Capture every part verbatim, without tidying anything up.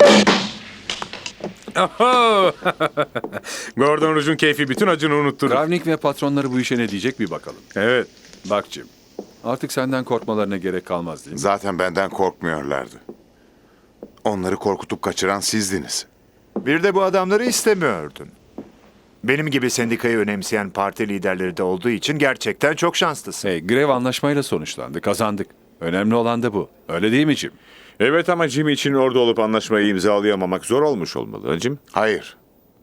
Oho! Gordon Rouge'un keyfi bütün acını unutturur. Kravnik ve patronları bu işe ne diyecek bir bakalım. Evet. Bak Jim, artık senden korkmalarına gerek kalmaz değil mi? Zaten benden korkmuyorlardı. Onları korkutup kaçıran sizdiniz. Bir de bu adamları istemiyordun. Benim gibi sendikayı önemseyen parti liderleri de olduğu için gerçekten çok şanslısın. Hey, grev anlaşmayla sonuçlandı, kazandık. Önemli olan da bu. Öyle değil mi Jim? Evet ama Jim için orada olup anlaşmayı imzalayamamak zor olmuş olmalı. Jim? Hayır.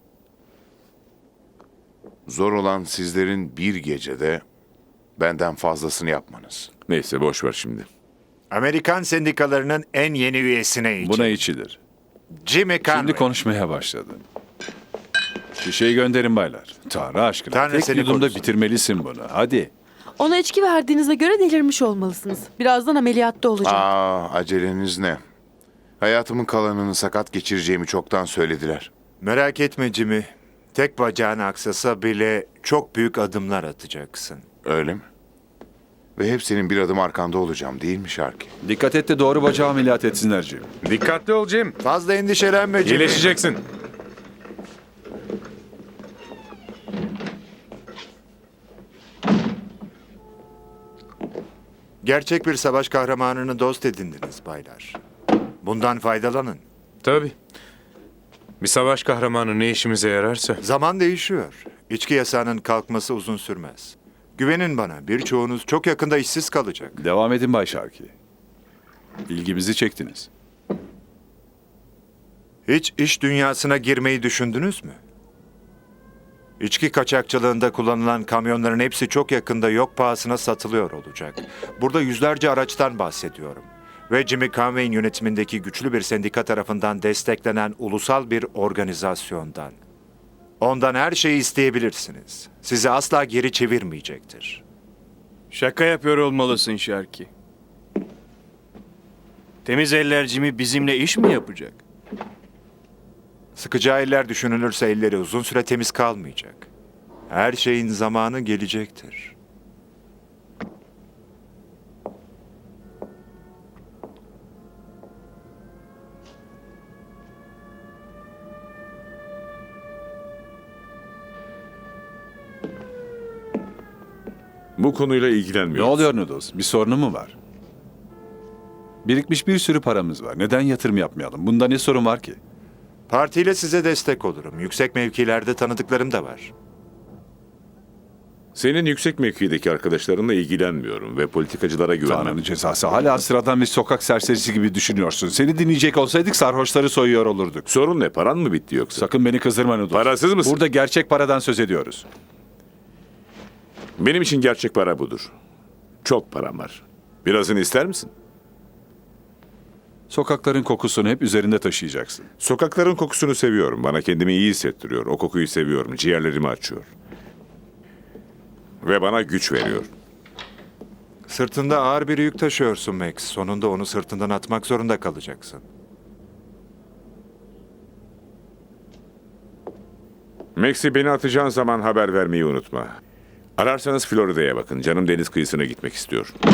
Zor olan sizlerin bir gecede benden fazlasını yapmanız. Neyse boş ver şimdi. Amerikan sendikalarının en yeni üyesine için. Buna içilir. Jimmy Conway. Şimdi konuşmaya başladı. Şişeyi gönderin baylar. Tanrı aşkına. Tanrı Tek seni yudumda korusun. bitirmelisin bunu. Hadi. Ona içki verdiğinize göre delirmiş olmalısınız. Birazdan ameliyatta olacak. Aa, aceleniz ne? Hayatımın kalanını sakat geçireceğimi çoktan söylediler. Merak etme Jimmy. Tek bacağın aksasa bile çok büyük adımlar atacaksın. Öyle mi? Ve hep senin bir adım arkanda olacağım değil mi Sharky? Dikkat et de doğru bacağı ameliyat etsinler Jim. Dikkatli ol Jim. Fazla endişelenme Jimmy. İyileşeceksin. Gerçek bir savaş kahramanını dost edindiniz baylar. Bundan faydalanın. Tabii. Bir savaş kahramanı ne işimize yararsa. Zaman değişiyor. İçki yasağının kalkması uzun sürmez. Güvenin bana, birçoğunuz çok yakında işsiz kalacak. Devam edin Bay Sharkey. İlgimizi çektiniz. Hiç iş dünyasına girmeyi düşündünüz mü? İçki kaçakçılığında kullanılan kamyonların hepsi çok yakında yok pahasına satılıyor olacak. Burada yüzlerce araçtan bahsediyorum. Ve Jimmy Conway'in yönetimindeki güçlü bir sendika tarafından desteklenen ulusal bir organizasyondan. Ondan her şeyi isteyebilirsiniz. Sizi asla geri çevirmeyecektir. Şaka yapıyor olmalısın Şarki. Temiz eller Jimmy bizimle iş mi yapacak? Sıkacağı eller düşünülürse elleri uzun süre temiz kalmayacak. Her şeyin zamanı gelecektir. Bu konuyla Ne ilgilenmiyoruz. oluyor Noodles? Bir sorunu mu var? Birikmiş bir sürü paramız var. Neden yatırım yapmayalım? Bunda ne sorun var ki? Partiyle size destek olurum. Yüksek mevkilerde tanıdıklarım da var. Senin yüksek mevkideki arkadaşlarınla ilgilenmiyorum ve politikacılara güvenmem. Tanrı'nın cezası. Hala sıradan bir sokak serserisi gibi düşünüyorsun. Seni dinleyecek olsaydık sarhoşları soyuyor olurduk. Sorun ne? Paran mı bitti yoksa? Sakın beni kızdırma Noodles. Parasız mısın? Burada gerçek paradan söz ediyoruz. Benim için gerçek para budur. Çok param var. Birazını ister misin? Sokakların kokusunu hep üzerinde taşıyacaksın. Sokakların kokusunu seviyorum. Bana kendimi iyi hissettiriyor. O kokuyu seviyorum. Ciğerlerimi açıyor. Ve bana güç veriyor. Sırtında ağır bir yük taşıyorsun Max. Sonunda onu sırtından atmak zorunda kalacaksın. Max'i beni atacağın zaman haber vermeyi unutma. Ararsanız Florida'ya bakın. Canım deniz kıyısına gitmek istiyor.